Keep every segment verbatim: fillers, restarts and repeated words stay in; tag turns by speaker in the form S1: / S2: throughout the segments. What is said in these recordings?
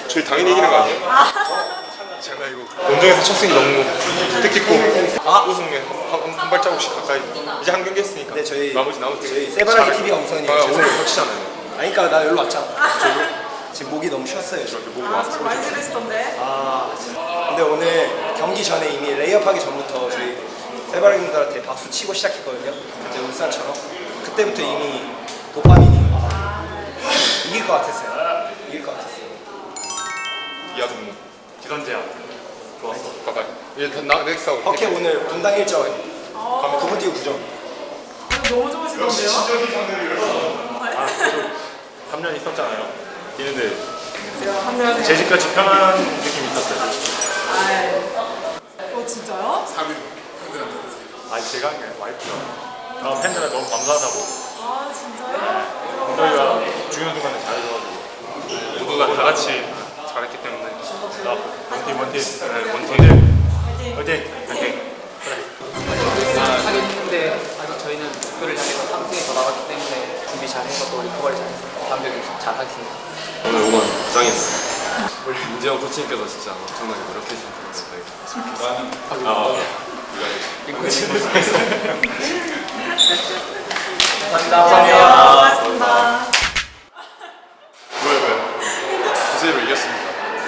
S1: 저희 당연히 이기는 거 아니에요? 장난이고 원정에서 첫 승이 너무 뜻깊고 아! 우승에 한, 한, 한 발자국씩 가까이 이제 한 경기 했으니까
S2: 네, 저희
S1: 나머지 나머지
S2: 저희 세바라기 티비가 우선이에요.
S1: 아, 오늘 거치잖아요.
S2: 아니 그러니까 나 여기로 왔잖아. 지금 목이 너무 쉬었어요.
S1: 목이
S3: 아,
S1: 와서
S3: 참 많이 지르시던데.
S2: 아 근데 오늘 경기 전에 이미 레이업하기 전부터 저희 세바라기분들한테 박수 치고 시작했거든요. 그때 울산처럼 그때부터 이미 도파민이 이길 것 같았어요. 이길 것 같았어요.
S1: 이하동무
S4: 기선제압 좋았어.
S1: 가까이 얘 나 넥스하고
S2: 버켓 오늘 분당 일 점
S3: 어,
S2: 구 분 뛰고 구 점.
S3: 너무 좋으시던데요?
S4: 아 그래도 삼 년 있었잖아요. 뛰는데
S3: 제가 한 명에.
S4: 제 집같이 편한 느낌이 있었어요.
S3: 아, 어 진짜요?
S4: 아 제가 한 게 와이프가 아, 팬들한테 너무 감사하다고.
S3: 아 진짜요?
S4: 저희가 중요한 순간에 잘해줘가지고
S1: 모두가 다 같이 잘했기 때문에
S4: 나 원팀 원팀 네, 원팀
S3: 화이팅.
S4: 화이팅 화이팅.
S5: 하긴 했는데 아직 저희는 목표를 향해서 삼 승에 더 나갔기 때문에 준비 잘해서 또 리커버리 잘해서 다음 경기 잘 하겠습니다.
S6: 오늘 응원 짱이었어요. 우리 민재형 코치님께서 진짜 엄청나게 노력해주신 분인데 아,
S3: 감사합니다. 수고하셨습니다.
S1: 왜 왜? 구세로 이겼습니다.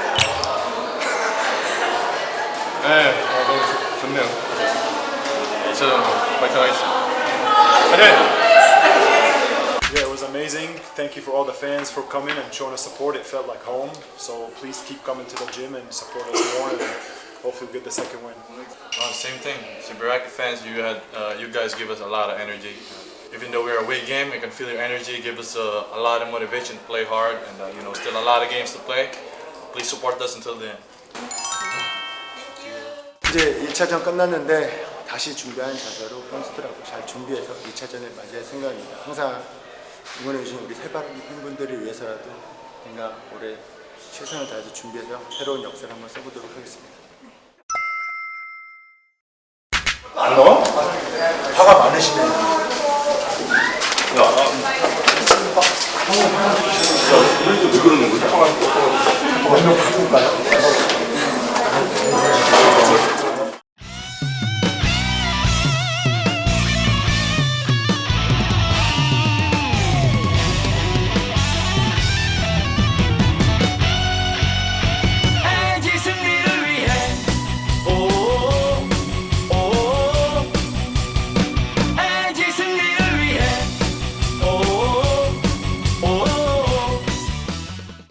S1: 네, 어, 너무 좋, 좋네요. 저는 파이팅 하겠습니다. 파이팅!
S7: Yeah, it was amazing. Thank you for all the fans for coming and showing us support. It felt like home. So please keep coming to the gym and support us more, and hopefully we'll get the second win.
S8: Uh, same thing. Sibaraki fans, you had, uh, you guys give us a lot of energy. Even though we're a away game, I can feel your energy. Give us a, a lot of motivation to play hard, and uh, you know, still a lot of games to play. Please support us until the end.
S2: 이제 일 차전 끝났는데 다시 준비한 자세로 선수들하고 잘 준비해서 이 차전을 맞이할 생각입니다. 항상 응원해주신 우리 세바라기 팬분들을 위해서라도 제가 올해 최선을 다해서 준비해서 새로운 역사를 한번 써보도록 하겠습니다.
S7: 안 넣어? 화가 많으시네.
S1: 왜 그러는 거지?
S2: 먼저 바꿀까요?